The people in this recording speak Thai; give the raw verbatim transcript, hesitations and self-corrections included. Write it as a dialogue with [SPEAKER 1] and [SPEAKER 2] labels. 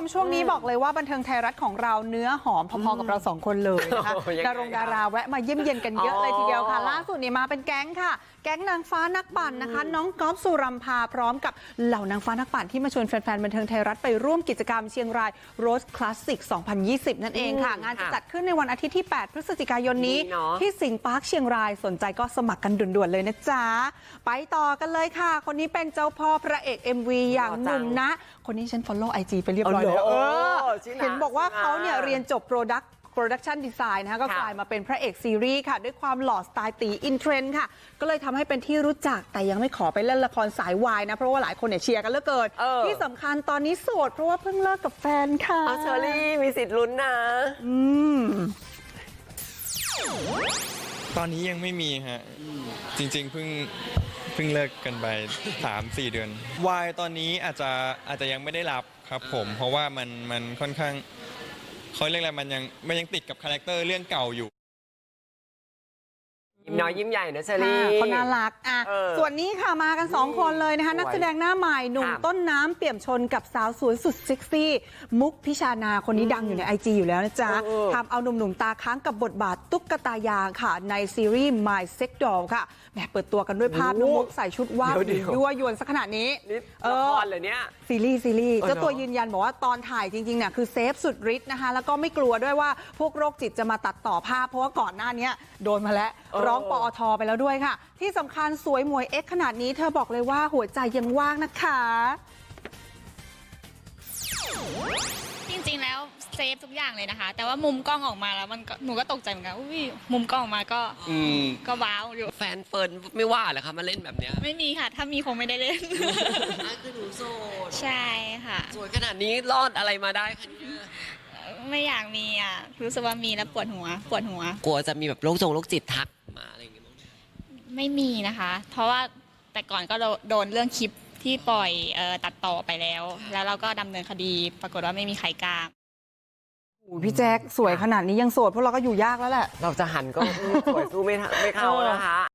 [SPEAKER 1] ช่วงนี้บอกเลยว่าบันเทิงไทยรัฐของเราเนื้อหอมพอๆกับเราสองคนเลยนะคะดารงดาราแวะมาเยี่ยมเยียนกันเยอะเลยทีเดียวค่ะล่าสุดนี่มาเป็นแก๊งค่ะแก๊งนางฟ้านักปั่นนะคะน้องก๊อฟสุรัมพาพร้อมกับเหล่านางฟ้านักปั่นที่มาชวนแฟนๆบันเทิงไทยรัฐไปร่วมกิจกรรมเชียงรายโรสคลาสสิกสองพันยี่สิบนั่นเองค่ะงานจะจัดขึ้นในวันอาทิตย์ที่แปดพฤศจิกายนนี้ที่สิงห์ปาร์คเชียงรายสนใจก็สมัครกันด่วนๆเลยนะจ๊ะไปต่อกันเลยค่ะคนนี้เป็นเจ้าพ่อพระเอก เอ็ม วี อย่างหนุ่มนะคนนี้ฉัน follow ไอ จี ไปเรียบร้อยแล้วเออเห็นบอกว่าเขาเนี่ยเรียนจบ product Production Design นะคะก็กลายมาเป็นพระเอกซีรีส์ค่ะด้วยความหล่อสไตล์ตีอินเทรนด์ค่ะก็เลยทำให้เป็นที่รู้จักแต่ยังไม่ขอไปเล่นละครสายวายนะเพราะว่าหลายคนเนี่ยเชียร์กันเหลือเกินที่สำคัญตอนนี้โสดเพราะว่าเพิ่งเลิกกับแฟนค่ะ
[SPEAKER 2] เชอรี่มีสิทธิ์ลุ้นนะ
[SPEAKER 1] อืม
[SPEAKER 3] ตอนนี้ยังไม่มีฮะจริงๆเพิ่งเพิ่งเลิกกันไป สามสี่ เดือนวายตอนนี้อาจจะอาจจะยังไม่ได้รับครับผมเพราะว่ามันมันค่อนข้างเขาเรียกอะไรมันยังมันยังติดกับคาแรคเตอร์เรื่องเก่าอยู่
[SPEAKER 2] ยิ้มน้อยยิ้มใหญ่นะเชอรี่
[SPEAKER 1] เขาน่ารักอ่ะส่วนนี้ค่ะมากันสองคนเลยนะคะนักแสดงหน้าใหม่หนุ่มต้นน้ำเปี่ยมชนกับสาวสวยสุดเซ็กซี่มุกพิชานาคนนี้ดังอยู่ใน ไอ จี อยู่แล้วนะจ๊ะทำเอาหนุ่มๆตาค้างกับบทบาทตุ๊กตายางค่ะในซีรีส์ My Sex Doll ค่ะแหมเปิดตัวกันด้วยภาพน้องมุกใส่ชุดว่าวยั่วยวนสักขนาดนี้
[SPEAKER 2] ละครเลยเนี่ย
[SPEAKER 1] ซีรีส์ซีรีส์เจ้าตัวยืนยันบอกว่าตอนถ่ายจริงๆเนี่ยคือเซฟสุดฤทธิ์นะคะแล้วก็ไม่กลัวด้วยว่าพวกโรคจิตจะมาตัดต่อภาพเพราะว่าก่อนหน้านี้โดนมาแล้วร้องปอทไปแล้วด้วยค่ะที่สำคัญสวยมวยเอ็กขนาดนี้เธอบอกเลยว่าหัวใจยังว่างนะคะ
[SPEAKER 4] จริงๆแล้วเซฟทุกอย่างเลยนะคะแต่ว่ามุมกล้องออกมาแล้วมันหนูก็ตกใจเหมือนกันอุ้ยมุมกล้องออกมาก็ก็ว้าวอยู่
[SPEAKER 2] แฟนเฟิร์นไม่ว่าเหรอคะมาเล่นแบบเนี้ย
[SPEAKER 4] ไม่มีค่ะถ้ามีคงไม่ได้เล่น
[SPEAKER 2] คือหนูโสด
[SPEAKER 4] ใช่ค่ะ
[SPEAKER 2] สวยขนาดนี้รอดอะไรมาได้คะเนี่ย
[SPEAKER 4] ไม่อยากมีอ่ะรู้สึกว่ามีแล้วปวดหัวปวดหัว
[SPEAKER 2] กลัวจะมีแบบโรคจงโรคจิตทักมาอะไรอย่างเงี้ย
[SPEAKER 4] ไม่มีนะคะเพราะว่าแต่ก่อนก็โดนเรื่องคลิปที่ปล่อยเอ่อตัดต่อไปแล้วแล้วเราก็ดำเนินคดีปรากฏว่าไม่มีใครกล้า
[SPEAKER 1] พี่แจ๊คสวยขนาดนี้ยังโสดพวกเราก็อยู่ยากแล้วแหละ
[SPEAKER 2] เราจะหันก็สวยสู้ไม่ไม่เข้านะคะ